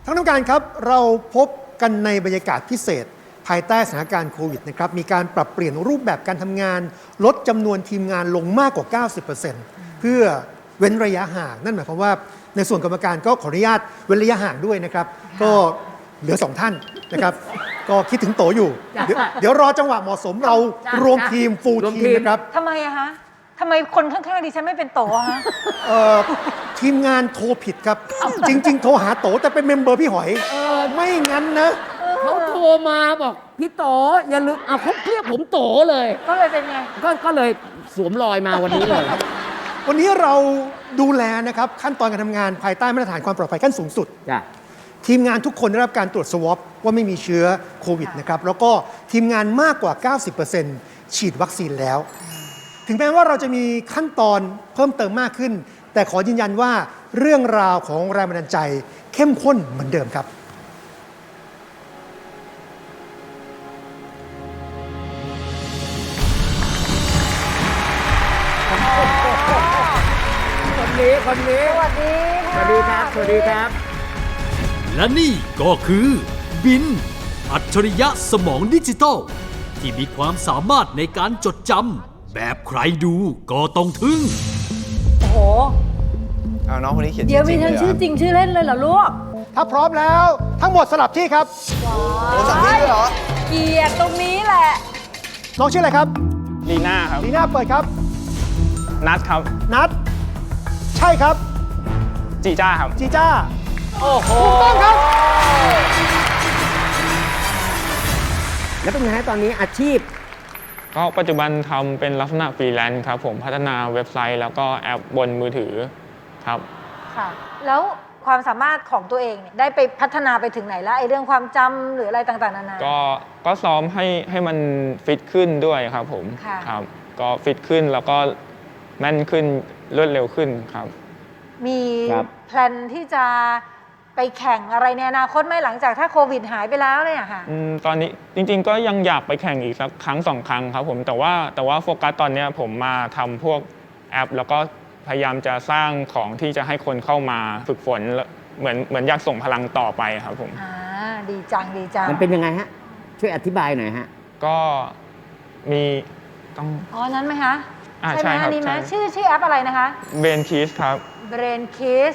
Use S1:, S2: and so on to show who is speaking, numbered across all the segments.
S1: ท่านผู้การครับเราพบกันในบรรยากาศพิเศษภายใต้สถานการณ์โควิดนะครับมีการปรับเปลี่ยนรูปแบบการทำงานลดจำนวนทีมงานลงมากกว่า 90% เพื่อเว้นระยะห่างนั่นหมายความว่าในส่วนกรรมการก็ขออนุญาตเว้นระยะห่างด้วยนะครับก็เหลือ2ท่านนะครับก็คิดถึงโตอยู่เดี๋ยวรอจังหวะเหมาะสมเรารวมทีมฟูลทีมนะครับ
S2: ทำไมอะคะทำไมคนข้างๆดิฉันไม่เป็นโตอะฮะ
S1: ทีมงานโทรผิดครับจริงๆโทรหาโตแต่เป็นเมมเบอร์พี่หอยไม่งั้นนะ
S3: เขาโทรมาบอกพี่โตอย่าลืมเขาเรียกผมโตเลย
S2: ก็เลยเป็นไง
S3: ก็เลยสวมรอยมาวันนี้เลย
S1: วันนี้เราดูแลนะครับขั้นตอนการทำงานภายใต้มาตรฐานความปลอดภัยขั้นสูงสุดทีมงานทุกคนได้รับการตรวจสวอปว่าไม่มีเชื้อโควิดนะครับแล้วก็ทีมงานมากกว่า 90% ฉีดวัคซีนแล้วถึงแม้ว่าเราจะมีขั้นตอนเพิ่มเติมมากขึ้นแต่ขอยืนยันว่าเรื่องราวของแรงบันดาลใจเข้มข้นเหมือนเดิมครับ
S3: คนนี้
S2: สวัสดี
S3: ครับสวัสดีครับ
S4: และนี่ก็คือบินอัจฉริยะสมองดิจิทัลที่มีความสามารถในการจดจำแบบใครดูก็ต้องทึ่ง
S2: โอ้โห
S5: น้องคนนี้เขียน
S2: เดี๋ยวมีทั้งชื่อจริงชื่อเล่นเลยเหรอลูก
S1: ถ้าพร้อมแล้วทั้งหมดสลับที่ครับ
S5: สลับที่เหรอ
S2: เกียรติตรงนี้แหละ
S1: น้องชื่ออะไรครับ
S5: ลีน่าครับ
S1: ลีน่าเปิดครับ
S5: นัทครับ
S1: นัทใช่ครับ
S5: จีจ้าครับ
S1: จีจ้า
S3: โอ้โห
S1: ถูกต้องครับ
S3: แล้วเป็นไงตอนนี้อาชีพ
S5: ก็ปัจจุบันทำเป็นลักษณะฟรีแลนซ์ครับผมพัฒนาเว็บไซต์แล้วก็แอปบนมือถือครับ
S2: ค่ะแล้วความสามารถของตัวเองเนี่ยได้ไปพัฒนาไปถึงไหนแล้วไอ้เรื่องความจำหรืออะไรต่างๆนานา
S5: ก็ซ้อมให้มันฟิตขึ้นด้วยครับผมครับก็ฟิตขึ้นแล้วก็แม่นขึ้นรวดเร็วขึ้นครับ
S2: มีแพลนที่จะไปแข่งอะไรในอนาคตไหมหลังจากถ้าโควิดหายไปแล้วเนี่ยค่ะ
S5: ตอนนี้จริงๆก็ยังอยากไปแข่งอีกสักครั้ง2 ครั้งครับผมแต่ว่าโฟกัสตอนนี้ผมมาทำพวกแอปแล้วก็พยายามจะสร้างของที่จะให้คนเข้ามาฝึกฝนเหมือนอยากส่งพลังต่อไปครับผม
S2: ดีจัง
S3: มันเป็นยังไงฮะช่วยอธิบายหน่อยฮะ
S5: ก็มี
S2: ต้องนั้นไหมคะใช่ไหมนี่ไหมชื่อแอปอะไรนะคะ
S5: Brain Kiss ครับ
S2: Brain Kiss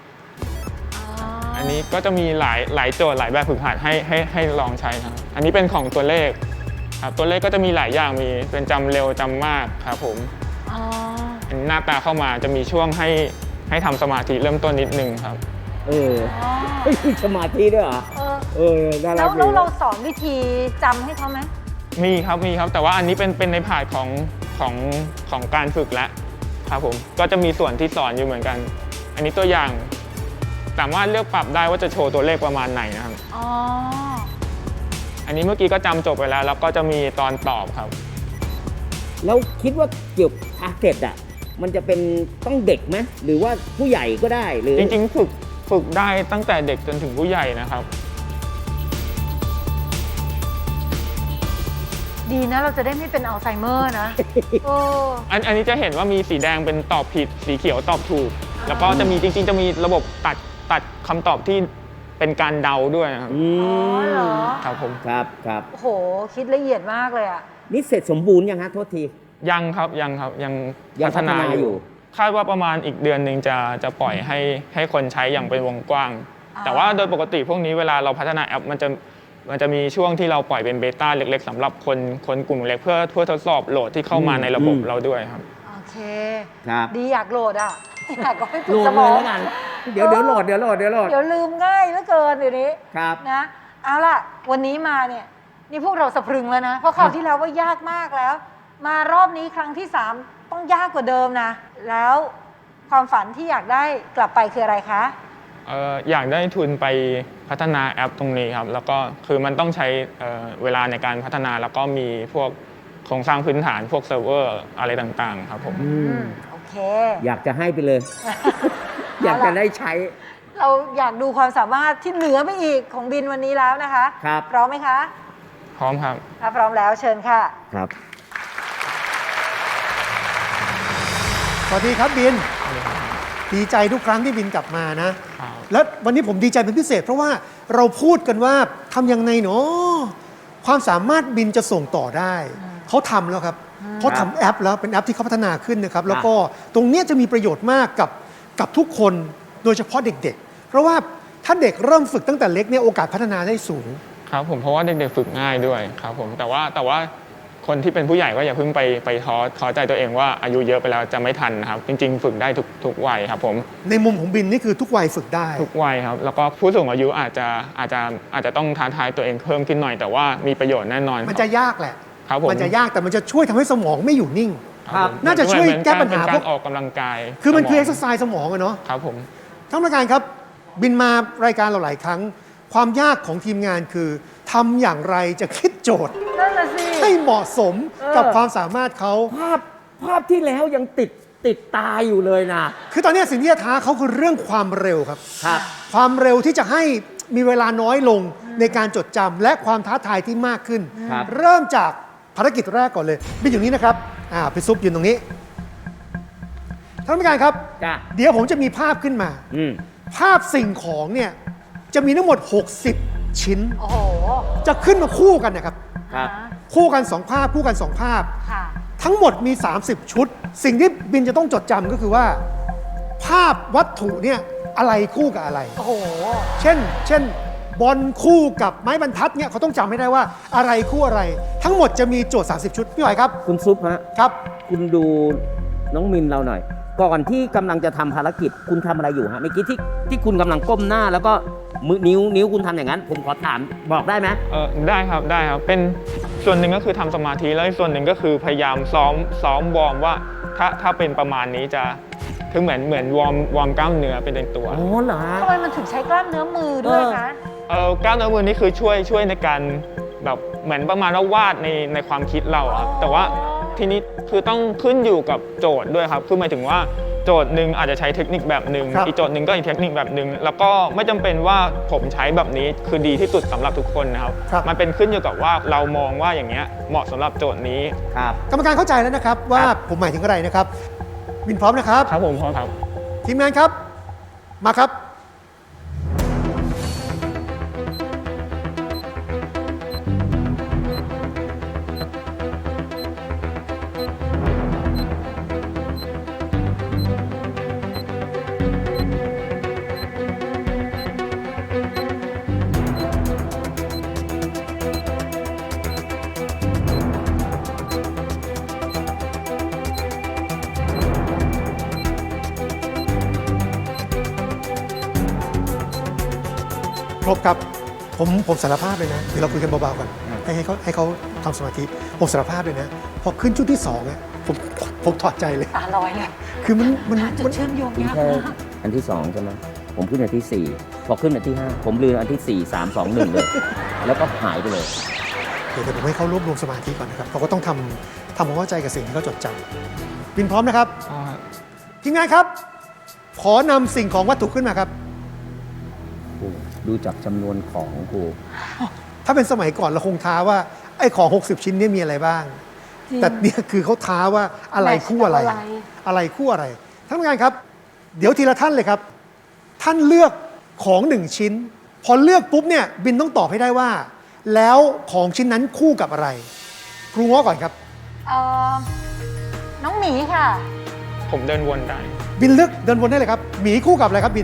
S5: อันนี้ก็จะมีหลายโจทย์หลายแบบฝึกหัดให้ลองใช้ครับอันนี้เป็นของตัวเลขครับตัวเลขก็จะมีหลายอย่างมีเป็นจำเร็วจำมากครับผมหน้าตาเข้ามาจะมีช่วงให้ทำสมาธิเริ่มต้นนิดนึงครับ
S3: มีสมาธิด้วยเหรอ
S2: แล้วเราสอนวิธีจำให้เขาไหม
S5: มีครับแต่ว่าอันนี้เป็นในพาร์ทของการฝึกแล้วครับผมก็จะมีส่วนที่สอนอยู่เหมือนกันอันนี้ตัวอย่างสามารถเลือกปรับได้ว่าจะโชว์ตัวเลขประมาณไหนนะครับอันนี้เมื่อกี้ก็จำจบไปแล้วก็จะมีตอนตอบครับ
S3: แล้วคิดว่าเกี่ยวกับทาร์เก็ตมันจะเป็นต้องเด็กไหมหรือว่าผู้ใหญ่ก็ได้หรือ
S5: จริงๆฝึกได้ตั้งแต่เด็กจนถึงผู้ใหญ่นะครับ
S2: ดีนะเราจะได้ไม่เป็นอัลไซเมอร์นะ
S5: อันนี้จะเห็นว่ามีสีแดงเป็นตอบผิดสีเขียวตอบถูกแล้วก็จะมีจริงๆจะมีระบบตัดคำตอบที่เป็นการเดาด้วยนะครับ
S2: เหรอ
S5: ครับผม
S3: ครับ
S2: โอ้โหคิดละเอียดมากเลยอ่ะ
S3: นี่เสร็จสมบูรณ์ยังฮะโทษที
S5: ยังครับยังพัฒนาอยู่คาดว่าประมาณอีกเดือนหนึ่งจะปล่อยให้คนใช้อย่างเป็นวงกว้างแต่ว่าโดยปกติพวกนี้เวลาเราพัฒนาแอปมันจะมีช่วงที่เราปล่อยเป็นเบต้าเล็กๆสำหรับคนกลุ่มเล็กเพื่อทดสอบโหลดที่เข้ามาในระบบเราด้วยครับ
S2: โอเค
S3: ครับ
S2: ดีอยากโหลดอยากก็ให้ฝึ
S3: กสมองกันเดี๋ยวโหลดเดี๋ยว
S2: ลืมง่ายเหลือเกินเดี๋ยวนี้
S3: ครับ
S2: นะเอาล่ะวันนี้มาเนี่ยนี่พวกเราสะพรึงแล้วนะเพราะคราวที่แล้วว่ายากมากแล้วมารอบนี้ครั้งที่3ต้องยากกว่าเดิมนะแล้วความฝันที่อยากได้กลับไปคืออะไรคะ
S5: อยากได้ทุนไปพัฒนาแอปตรงนี้ครับแล้วก็คือมันต้องใช้เวลาในการพัฒนาแล้วก็มีพวกโครงสร้างพื้นฐานพวกเซิร์ฟเวอร์อะไรต่างๆครับผม
S2: โอเค
S3: อยากจะให้ไปเลย อยากจะได้ใช้
S2: เราอยากดูความสามารถที่เหนือไปอีกของบินวันนี้แล้วนะคะ
S3: ครับ
S2: พร้อมไหมคะ
S5: พร้อมครับ
S2: ถ้าพร้อมแล้วเชิญค่ะ
S3: ครับ
S1: สวัสดีครับบินดีใจทุกครั้งที่บินกลับมานะ
S5: ครับ
S1: แล้ววันนี้ผมดีใจเป็นพิเศษ เพราะว่าเราพูดกันว่าทำยังไงเนาะความสามารถบินจะส่งต่อได้ เขาทำแล้วครับเขาทำแอปแล้วเป็นแอปที่เขาพัฒนาขึ้นนะครับ แล้วก็ตรงเนี้ยจะมีประโยชน์มากกับทุกคนโดยเฉพาะเด็กๆ เพราะว่าถ้าเด็กเริ่มฝึกตั้งแต่เล็กเนี่ยโอกาสพัฒนาได้สูง
S5: ครับผมเพราะว่าเด็กๆฝึกง่ายด้วยครับผมแต่ว่าคนที่เป็นผู้ใหญ่ก็อย่าเพิ่งไปท้อใจตัวเองว่าอายุเยอะไปแล้วจะไม่ทันนะครับจริงๆ ฝึกได้ทุกวัยครับผม
S1: ในมุมของบินนี่คือทุกวัยฝึกได้
S5: ทุกวัยครับแล้วก็ผู้สูงอายุอาจจะต้องท้าทายตัวเองเพิ่มขึ้นหน่อย แต่ว่ามีประโยชน์แน่นอน
S1: มันจะยากแหละ
S5: ครับผม
S1: มันจะยากแต่มันจะช่วยทำให้สมองไม่อยู่นิ่ง
S5: ครับผม
S1: น่าจะช่วยแก้ปัญหา
S5: เป็น
S1: พ
S5: กาว ร
S1: ก
S5: ออกกำลังกาย
S1: คือมันคือ
S5: ส
S1: เอ็กซ์ไซส์สมองอะเนาะ
S5: ครับผม
S1: ท่านประธานครับบินมารายการเราหลายครั้ง ความยากของทีมงานคือทำอย่างไรจะคิดโจทย์
S2: นั่นน่ะสิ
S1: ให้เหมาะสมกับความสามารถเขา
S3: ภาพที่แล้วยังติดตาอยู่เลยนะ
S1: คือตอนนี้สิ่งที่จะท้าเขาคือเรื่องความเร็วครับ
S3: ครับ
S1: ความเร็วที่จะให้มีเวลาน้อยลงในการจดจำและความท้าทายที่มากขึ้น
S3: ครับ
S1: เริ่มจากภารกิจแรกก่อนเลยบินอยู่นี้นะครับพี่ซุปยืนตรงนี้ท่านผู้การครับ
S3: จ้ะ
S1: เดี๋ยวผมจะมีภาพขึ้นมา
S3: อืม
S1: ภาพสิ่งของเนี่ยจะมีทั้งหมด 60 ชิ้น
S2: โอ้โห
S1: จะขึ้นมาคู่กันนะครับ
S3: ครับ
S1: คู่กัน 2 ภาพ คู่กัน 2 ภาพ
S2: ค่ะ
S1: ทั้งหมดมี 30 ชุด สิ่งที่บินจะต้องจดจำก็คือว่า ภาพวัตถุเนี่ยอะไรคู่กับอะไร
S2: โอ้โห
S1: เช่นบอลคู่กับไม้บรรทัดเนี่ยเขาต้องจำให้ได้ว่าอะไรคู่อะไร ทั้งหมดจะมีโจทย์ 30 ชุด พี่หอยครับ
S3: คุณซุปฮะ
S1: ครับ
S3: คุณดูน้องมินเราหน่อย ก่อนที่กำลังจะทำภารกิจคุณทำอะไรอยู่ฮะเมื่อกี้ที่คุณกำลังก้มหน้าแล้วก็มือนิ้วคุณทำอย่างนั้น ผมขอถามบอกได้ไหม
S5: ได้ครับเป็นส่วนหนึ่งก็คือทำสมาธิแล้วอีกส่วนหนึ่งก็คือพยายามซ้อมวอร์มว่าถ้าเป็นประมาณนี้จะคือเหมือนวอร์มกล้ามเนื้อเป็นตัว
S3: อ๋อเหรอฮะ
S2: ทำไมมันถึงใช้กล้ามเนื้อมือด้วยคะ
S5: กล้ามเนื้อมือนี่คือช่วยในการแบบเหมือนประมาณว่าวาดในความคิดเราอะครับแต่ว่าทีนี้คือต้องขึ้นอยู่กับโจทย์ด้วยครับคือหมายถึงว่าโจทย์หนึ่งอาจจะใช้เทคนิคแบบหนึ่ง
S1: ครับ
S5: อีกโจทย์หนึ่งก็อีกเทคนิคแบบหนึ่งแล้วก็ไม่จำเป็นว่าผมใช้แบบนี้คือดีที่สุดสำหรับทุกคนนะครับ
S1: ครับ
S5: มันเป็นขึ้นอยู่กับว่าเรามองว่าอย่างเงี้ยเหมาะสำหรับโจทย์นี้
S3: ครับ
S1: กรรมการเข้าใจแล้วนะครับว่าผมหมายถึงอะไรนะครับ บินพร้อมนะครับ
S5: ครับผมพอครับ
S1: ทีมงานครับ มาครับ ครบครับ ผมสารภาพเลยนะ เดี๋ยวเราคุยกันเบาๆก่อนให้เขาทำสมาธิ ผมสารภาพเลยนะ พอขึ้นชุดที่2เนี่ยผมถอดใจเลย
S2: ตาลอยเลย
S1: คือมัน
S2: หาจุดเชื่อมโยง
S3: คุณ
S2: ยาก
S3: แค่
S2: มาก
S3: อันที่2ใช่ไหมผมขึ้นอันที่ 4 พอขึ้นอันที่ 5 ผมลืมอันที่ 4 3 2 1 เลย แล้วก็หายไปเลย
S1: เดี๋ยวผมให้เขารวบรวมสมาธิก่อนนะครับเขาก็ต้องทำความเข้าใจกับสิ่งที่เขาจดจำบินพร้อมนะครับ ทีมงานครับ ขอนำสิ่งของวัตถุขึ้นมาครับ
S3: ดูจากจำนวนของครู
S1: ถ้าเป็นสมัยก่อนเราคงท้าว่าไอ้ของ 60 ชิ้นเนี่ยมีอะไรบ้าง
S2: จริง
S1: แต่เนี่ยคือเขาท้าว่าอะไรคู่อะไร
S2: แมทช์กับอะไร
S1: อะไรคู่อะไรท่านผู้การครับ เดี๋ยวทีละท่านเลยครับ ท่านเลือกของ1ชิ้น พอเลือกปุ๊บเนี่ยบินต้องตอบให้ได้ว่า แล้วของชิ้นนั้นคู่กับอะไร ครูง้อก่อนครับ
S2: เอ่อน้องหมีค่ะ
S5: ผมเดินวนได้
S1: บินเลือกเดินวนได้เลยครับหมีคู่กับอะไรครับบิน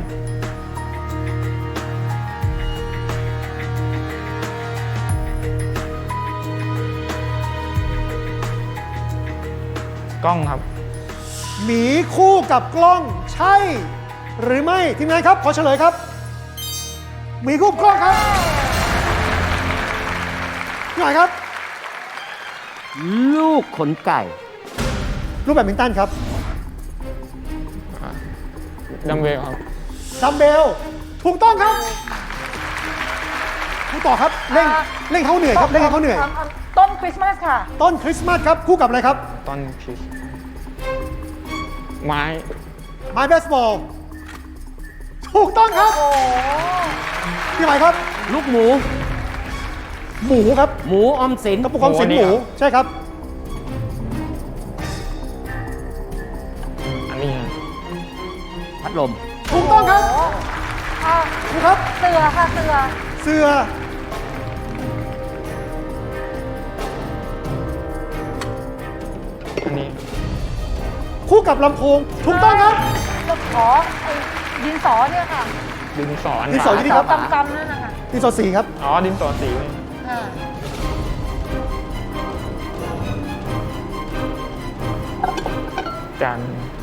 S5: กล้องครับ
S1: หมีคู่กับกล้องใช่ หรือไม่ทีมงานครับขอเฉลยครับหมีคู่กับกล้องครับพี่หน่อยครับ
S3: ลูกขนไก่
S1: รูปแบดมินตันครับ
S5: ดัมเบลครับ
S1: ดัมเบลถูกต้องครับคู่ต่อครับเร่งเขาเหนื่อยครับเร่งให้เขาเหนื่อย
S2: ต้นคริสต์มาสค่ะ
S1: ต้นคริสต์มาสครับคู่กับอะไรครับ
S5: ต้นคริสไม้
S1: ไม้เบสบอลถูกต้องครับ
S2: โอ้โห
S1: พี่หมายครับ
S3: ลูกหมู
S1: หมูครับ
S3: หมูออมสิน
S1: กระปุกความสินหมูใช่ครับ
S5: อันนี้ครับ
S3: พัดลม
S1: ถูกต้องครับ
S2: อ่ะ
S1: ถูกครับ
S2: เสือค่ะเสือ
S1: เสื้อ
S5: อันนี้
S1: คู่กับลำโพงถูกต้องครับ
S2: ก็ขอไอ้ดินสอเนี่ยค่ะ
S5: ดินสออัน
S1: ดินสอ
S5: ขวา
S1: ยู่นี่ครับ
S2: กำๆนั่นนะคะ
S1: ดินสอสีครับ
S5: อ๋อดินสอสีนี่
S2: อ่า
S5: จาน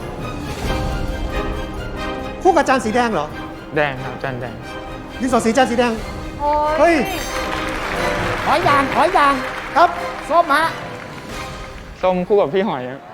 S1: คู่กับจานสีแดงเหรอ
S5: แดงครับจานแดง
S1: ดินสอสีจานสีแดง
S2: โอ้
S1: เฮ้ย
S3: ขอยาง
S1: ครับ
S3: ส้มฮะ
S5: ส้มคู่กับพี่หอยครับ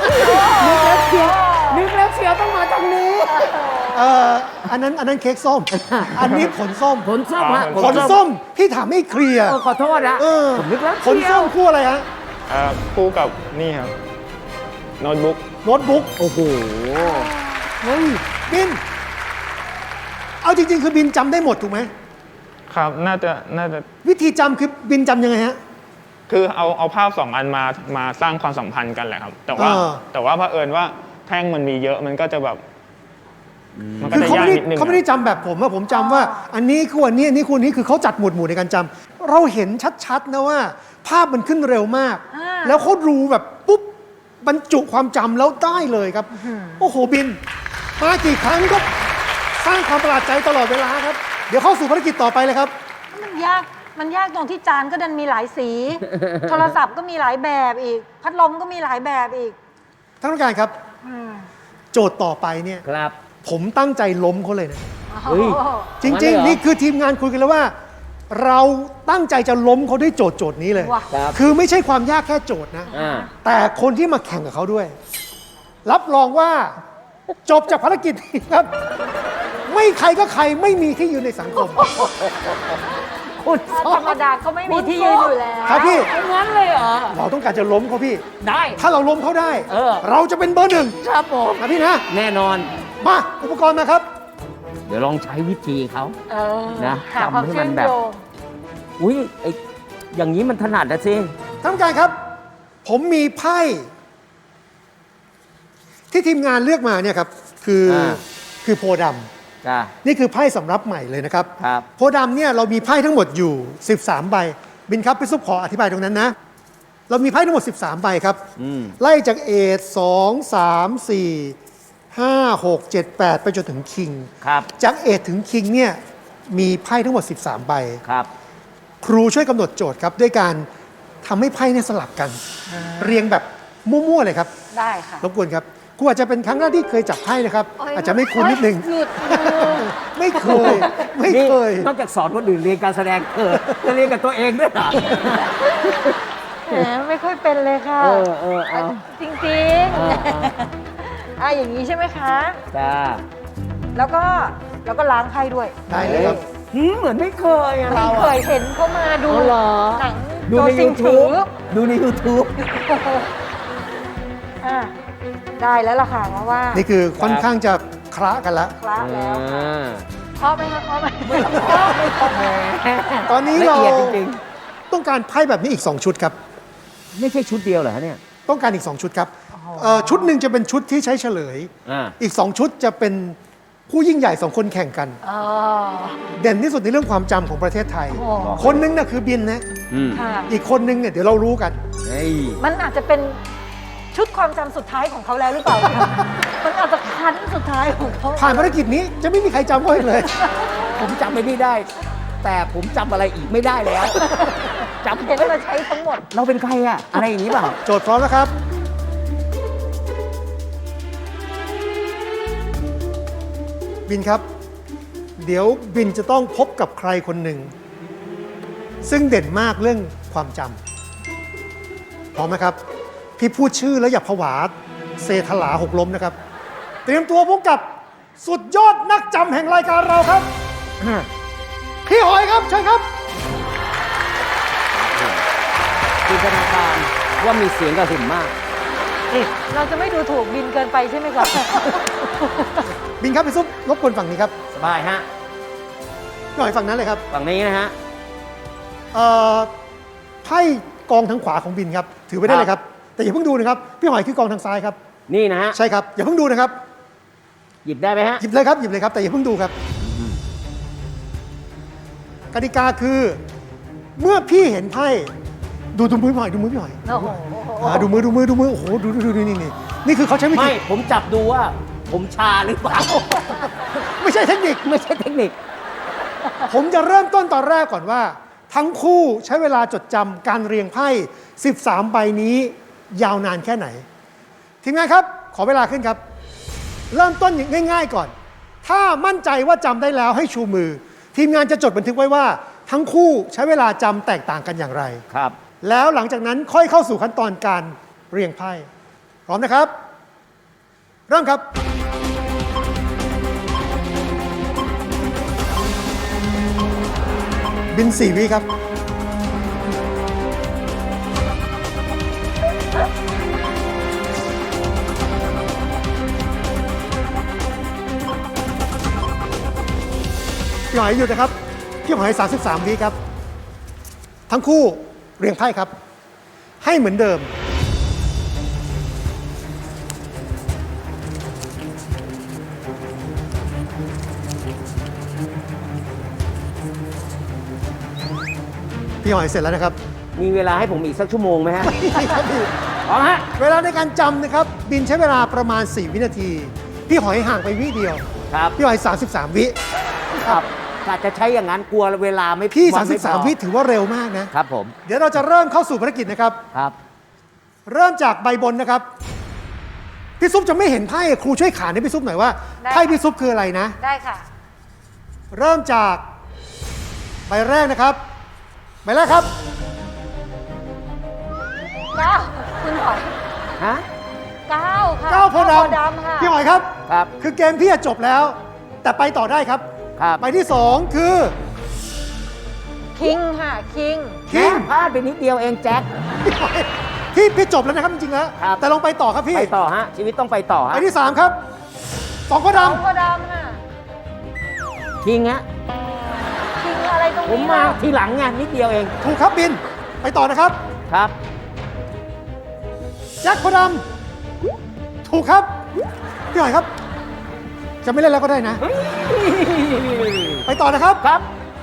S3: นึกแล้วเชียวต้องมาตรงนี้
S1: อันนั้นเค้กส้ม อันนี้ผลส้ม
S3: ผลส้มฮะ
S1: ผลส้ม พี่ถามให้เคลียร์
S3: ขอโทษนะ
S1: เออ
S3: ผมนึกแล้ว
S1: ผล
S3: เชีย
S1: ส้
S3: ว
S1: มคู่อะไรฮะ
S5: คู่กับนี่ครับโน้ตบุ๊ก
S1: โน้ตบุ๊ก
S3: โอ้โห
S1: เฮ้ยบิน เอาจริง ๆ คือบินจำได้หมดถูกไหม
S5: ครับน่าจะ
S1: วิธีจำคือบินจำยังไงฮะ
S5: คือเอาภาพสองอันมาสร้างความสัมพันธ์กันแหละครับ แต่ว่า แต่ว่าเผอิญว่าแท่งมันมีเยอะมันก็จะแบบมันก็
S1: คือ
S5: จะ
S1: เขา
S5: ยาก
S1: ไม่ได้
S5: นิดนึง
S1: เขาไม่ได้จำแบบผมว่าผมจำว่า อันนี้คู่อันนี้อันนี้คู่นี้คือเขาจัดหมวดหมู่ในการจำเราเห็นชัดๆนะว่า ภาพมันขึ้นเร็วมาก แล้วเขารู้แบบปุ๊บบรรจุความจำแล้วได้เลยครับ โอ้โหบิน มากี่ครั้งก็สร้างความประหลาดใจตลอดเวลาครับ เดี๋ยวเข้าสู่ภารกิจต่อไปเลยครับ
S2: มันยากตรงที่จานก็ดันมีหลายสี โทรศัพท์ก็มีหลายแบบอีก พัดลมก็มีหลายแบบอีก
S1: ท่านผู้การครับ
S2: อืม
S1: โจทย์ต่อไปเนี่ย
S3: ครับ
S1: ผมตั้งใจล้มเขาเลยนะ
S3: เฮ้ย
S2: โอ้โห
S1: จริง ๆ นี่คือทีมงานคุยกันแล้วว่า เราตั้งใจจะล้มเขาด้วยโจทย์นี้เลย
S2: ว่ะ
S3: ครับ
S1: คือไม่ใช่ความยากแค่โจทย์นะ
S3: อ่า
S1: แต่คนที่มาแข่งกับเขาด้วย รับรองว่าจบจากภารกิจนี้ครับ ไม่ใครก็ใครไม่มีที่ยืนในสังคม
S3: คุณ
S2: ธรรมดาก็ไม่มีที่ยืนอยู่แล้ว
S1: ครับพี่
S3: เอางั้นเลยเหรอ
S1: เราต้องการจะล้มเขาพี่
S3: ได้
S1: ถ้าเราล้มเขาได้
S3: เออ
S1: เราจะเป็นเบอร์หนึ่ง
S3: ครับผม
S1: นะพี่นะ
S3: แน่นอน
S1: มาอุปกรณ์มาครับ
S3: เดี๋ยวลองใช้วิธีเขา
S2: เออ
S3: นะ
S2: หาความ
S3: จำให้
S2: เชื่
S3: มั
S2: อน ม
S3: แบบ
S2: โยง
S3: อุ้ยไออย่างนี้มันถนัดนะสิ
S1: ท่านผู้การครับ ผมมีไพ่ที่ทีมงานเลือกมาเนี่ยครับ คือโพธิ์ดำ
S3: จ้า
S1: นี่คือไพ่สำรับใหม่เลยนะครับ
S3: ครับ
S1: โพธิ์ดำเนี่ยเรามีไพ่ทั้งหมดอยู่ 13 ใบ บินครับพี่ซุปขออธิบายตรงนั้นนะ เรามีไพ่ทั้งหมด 13 ใบครับ
S3: อืม
S1: ไล่จากเอท2 3 4 5 6 7 8 ไปจนถึงคิง
S3: ครับ
S1: จากเอทถึงคิงเนี่ยมีไพ่ทั้งหมด 13 ใบ
S3: ครับ
S1: ครูช่วยกำหนดโจทย์ครับด้วยการทำให้ไพ่เนี่ยสลับกัน เรียงแบบมั่วๆเลยครับ
S2: ได้ค่ะ
S1: รบกวนครับครูอาจจะเป็นครั้งแรกที่เคยจับไพ่นะครับ
S2: โย
S1: อาจจะไม่คุ้นนิดนึง
S2: หลุดมือ
S1: ไม่เคย ไม่
S3: นี่
S1: เคย
S3: นอกจากสอนคนอื่นเรียนการแสดงจะเรียนกับตัวเองด้วยเหรอ
S2: แหมไม่ค่อยเป็นเลยค่ะ
S3: เออเอา
S2: จริง
S3: เออ
S2: ๆอย่างนี้ใช่ไหมคะ
S3: จ้า
S2: แล้วก็ล้างไพ่ด้วย
S1: ได้เลยครับ
S3: เหมือนไม่เคยอะ
S2: ไม่
S3: เรา
S2: เค
S3: อะ
S2: ยเห็นเขามาดู
S3: อ๋อเหรอ
S2: หนัง
S3: ดู
S2: โจ
S3: ใน
S2: ซิงถือ
S3: YouTube ดูใน YouTube
S2: อ่ะได้แล้วล่ะค่ะเพราะว่า
S1: นี่คือค่อนข้างจะคละกันละ
S2: คละแล้วค่ะ
S3: อ่า
S2: เคาะไหมคะเคาะไหม
S1: ตอนนี้
S3: ละ
S1: เรา
S3: เอียดจริง
S1: ต้องการไพ่แบบนี้อีก 2 ชุดครับ
S3: ๆ ไม่ใช่ชุดเดียวเหรอฮะเนี่ย
S1: ต้องการอีก 2 ชุดครับชุดหนึ่งจะเป็นชุดที่ใช้เฉลย
S3: อ่า
S1: อีก 2 ชุดจะเป็นผู้ยิ่งใหญ่ 2 คนแข่งกัน
S2: อ๋อ
S1: เด่นที่สุดในเรื่องความจำของประเทศไทย
S2: โอ้
S1: คนหนึงน่ะคือบินนะ
S3: อืม
S2: ค่ะ
S1: อีกคนหนึงเนี่ยเดี๋ยวเรารู้กัน
S3: เฮ้ย
S2: มันอาจจะเป็นชุดความจำสุดท้ายของเขาแล้วหรือเปล่า มันอาจจะคันสุดท้ายของเขา
S1: ผ่านภารกิจนี้จะไม่มีใครจำเขาอีกเลย
S3: ผมจำไปนี่ได้ แต่ผมจำอะไรอีกไม่ได้แล้วจำ
S2: เห็นเราใช้ทั้งหมด
S3: เราเป็นใครอะอะไรอย่างนี้เปล่า
S1: โจทย์พร้อมนะครับ บินครับ เดี๋ยวบินจะต้องพบกับใครคนหนึ่ง ซึ่งเด่นมากเรื่องความจำพร้อมไหมครับ พี่พูดชื่อแล้วอย่าผวาเซถลาหกล้มนะครับ เตรียมตัวพบกับสุดยอดนักจำแห่งรายการเราครับ พี่หอยครับเชิญครับ
S3: จินตนาการว่ามีเสียงกระหึ่มมาก
S2: เราจะไม่ดูถูกบินเกินไปใช่ไหมครับ
S1: บินครับพี่ซุปรบกวนฝั่งนี้ครับ
S3: สบายฮะ
S1: หน่อยฝั่งนั้นเลยครับ
S3: ฝั่งนี้นะฮะ
S1: ไพ่กองทางขวาของบินครับ ถือไว้ได้เลยครับ แต่อย่าเพิ่งดูนะครับ พี่หอยคือกองทางซ้ายครับ
S3: นี่นะฮะ
S1: ใช่ครับ อย่าเพิ่งดูนะครับ
S3: หยิบได้ไหมฮะ
S1: หยิบเลยครับหยิบเลยครับแต่อย่าเพิ่งดูครับกติกาคือเมื่อพี่เห็นไพ่ดูมือพี่หอยดูมือพี่หอย
S2: โอ้โห
S1: ดูมือโอ้โหดูนี่คือเขาใช้วิธี
S3: ไม่ผมจับดูว่าผมชาหรือเปล่า
S1: ไม่ใช่เทคนิค
S3: ไม่ใช่เทคนิค
S1: ผมจะเริ่มต้นตอนแรกก่อนว่า ทั้งคู่ใช้เวลาจดจำการเรียงไพ่ 13 ใบนี้ยาวนานแค่ไหน ทีมงานครับ ขอเวลาขึ้นครับ เริ่มต้นง่ายๆก่อน ถ้ามั่นใจว่าจำได้แล้วให้ชูมือ ทีมงานจะจดบันทึกไว้ว่า ทั้งคู่ใช้เวลาจำแตกต่างกันอย่างไร
S3: ครับ
S1: แล้วหลังจากนั้นค่อยเข้าสู่ขั้นตอนการเรียงไพ่พร้อมนะครับ เริ่มครับ บิน 4 วิครับ พี่หอยหยุดนะครับ พี่หอย 33 วิครับ ทั้งคู่เรียงไพ่ครับ ให้เหมือนเดิม พี่หอยเสร็จแล้วนะครับ
S3: มีเวลาให้ผมอีกสักชั่วโมงไหมฮะ
S1: นี่ครับพี่
S3: พร้อมฮะ
S1: เวลาในการจำนะครับ บินใช้เวลาประมาณ 4 วินาที พี่หอยห่างไปวิเดียว
S3: ครับ
S1: พี่หอย 33 วิ
S3: ครับอาจจะใช้อย่างนั้นกลัวเวลาไม่
S1: พี่
S3: วันไม่พอ
S1: 33 วิถือว่าเร็วมากนะ
S3: ครับผม
S1: เดี๋ยวเราจะเริ่มเข้าสู่ภารกิจนะครับ
S3: ครับ
S1: เริ่มจากใบบนนะครับ พี่ซุปจะไม่เห็นไพ่ครูช่วยขานให้พี่ซุปหน่อยว่า
S2: ได้
S1: ไพ่พี่ซุปคืออะไรนะ
S2: ได้ค่ะ
S1: เริ่มจากใบแรกนะครับใบแรกครับ
S2: 9 คุณหอย
S3: ฮะ
S2: 9 ค่ะ
S1: 9 โพธิ์ด
S2: ดำค่ะ
S1: ำพี่หอยครับ
S3: ครับ
S1: คือเกมพี่จะจบแล้ว แต่ไปต่อได้ครับ
S3: ครับ
S1: ใบที่ 2 คือ
S2: คิงค่ะ คิง
S1: คิง
S3: พลาดไปนิดเดียวเองแจ็ค
S1: พี่หอยพี่จบแล้วนะครับจริงๆแล้ว
S3: ครับ
S1: แต่ลองไปต่อครับพี่
S3: ไปต่อฮะ ชีวิตต้องไปต่อ
S1: ใบ
S3: ฮะ
S1: ที่ 3 ครับ2 โพธิ์ด
S2: 2 โพธิ์ดำค่ะ
S3: คิงฮะ
S2: คิงอะไรตรง
S3: ผม
S2: นี้
S3: มา
S2: ล่ะ
S3: ทีหลังไงนิดเดียวเอง
S1: ำถูกครับบิน ไปต่อนะครับ
S3: ครับ
S1: แจ็คโพธิ์ดำถูกครับพี่หอยครับ จะไม่เล่นแล้วก็ได้นะ ไปต่อนะครับ
S3: ครับ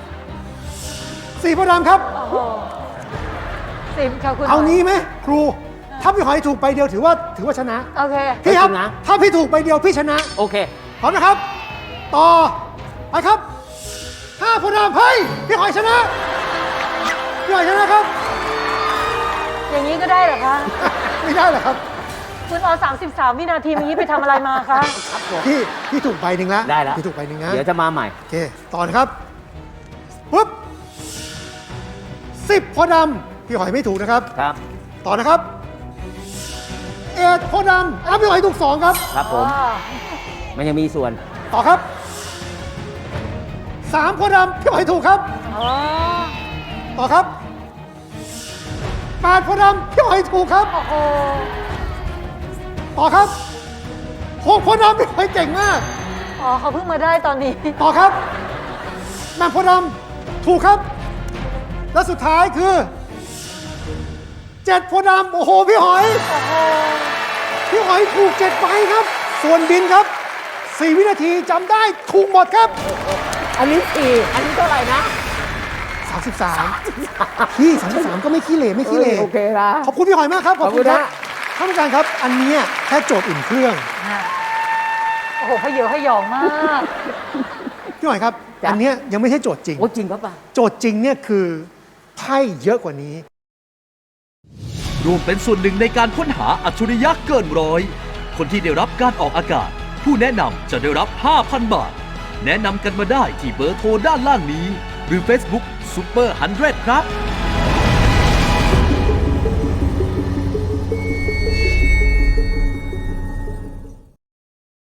S1: 4 โพธิ์ดำครับ
S2: โอ้โห10ค่ะคุณ
S1: เอา
S2: หย
S1: งี้ไหมครู ถ้าพี่หอยถูกใบเดียวถือว่าชนะ
S2: โอเค
S1: พี่ครับ
S3: จริงนะ
S1: ถ้าพี่ถูกใบเดียวพี่ชนะ
S3: โอเค
S1: พร้อมนะครับ ต่อ ไปครับ5 โพธิ์ดำเฮ้ยพี่หอยชนะ พี่หอยชนะครับ
S2: อย่างนี้ก็ได้เหรอคะ
S1: ไม่ได้เหรอครับ
S2: คุณเอา33 วินาทีเมื่อกี้ไปทำอะไรมาคะ
S1: พี่ถูกใบหนึ่งแล้ว
S3: ได้แล้ว
S1: พี่ถูกใบหนึ่งนะ
S3: เดี๋ยวจะมาใหม่
S1: โอเค ต่อนะครับปุ๊บ10 โพธิ์ดำพี่หอยไม่ถูกนะครับ
S3: ครับ
S1: ต่อนะครับ1 โพธิ์ดำพี่หอยถูก2ครับ
S3: ครับผม
S2: อ๋อ
S3: มันยังมีส่วน
S1: ต่อครับ3 โพธิ์ดำพี่หอยถูกครับ
S2: อ๋อ
S1: ต่อครับ8 โพธิ์ดำพี่หอยถูกครับ
S2: โอ้โห
S1: ต่อครับ6 โพธิ์ดำพี่หอยเก่งมาก
S2: อ๋อเขาเพิ่งมาได้ตอนนี้
S1: ต่อครับแหม่มโพธิ์ดำถูกครับ และสุดท้ายคือ7 โพธิ์ดำโอ้โหพี่หอย
S2: โอ้โห
S1: พี่หอยถูก7 ใบครับ ส่วนบินครับ 4 วินาทีจำได้ถูกหมดครับ
S3: อันนี้สี่อันนี้เท่าไหร่นะ
S1: 33พี่33 ก็ไม่ขี้เหร่ไม่ขี้เหร่
S3: โอเคนะ
S1: ขอบคุณพี่หอยมากครับ ขอบคุณครับ
S3: ขอบคุณนะ
S1: ท่านผู้การครับ อันเนี้ยแค่โจทย์อุ่นเครื่อง
S2: โอ้โหพเยอะพยองมาก
S1: พี่หอยครับ อันเนี้ยยังไม่ใช่โจทย์จริง
S3: โอ้จริงครับป่ะ
S1: โจทย์จริงเนี่ยคือไพ่เยอะกว่านี้
S4: ร่วมเป็นส่วนหนึ่งในการค้นหาอัจฉริยะเกินร้อย คนที่ได้รับการออกอากาศ ผู้แนะนำจะได้รับ 5,000 บาท แนะนำกันมาได้ที่เบอร์โทรด้านล่างนี้ หรือ Facebook Super 100 ครับ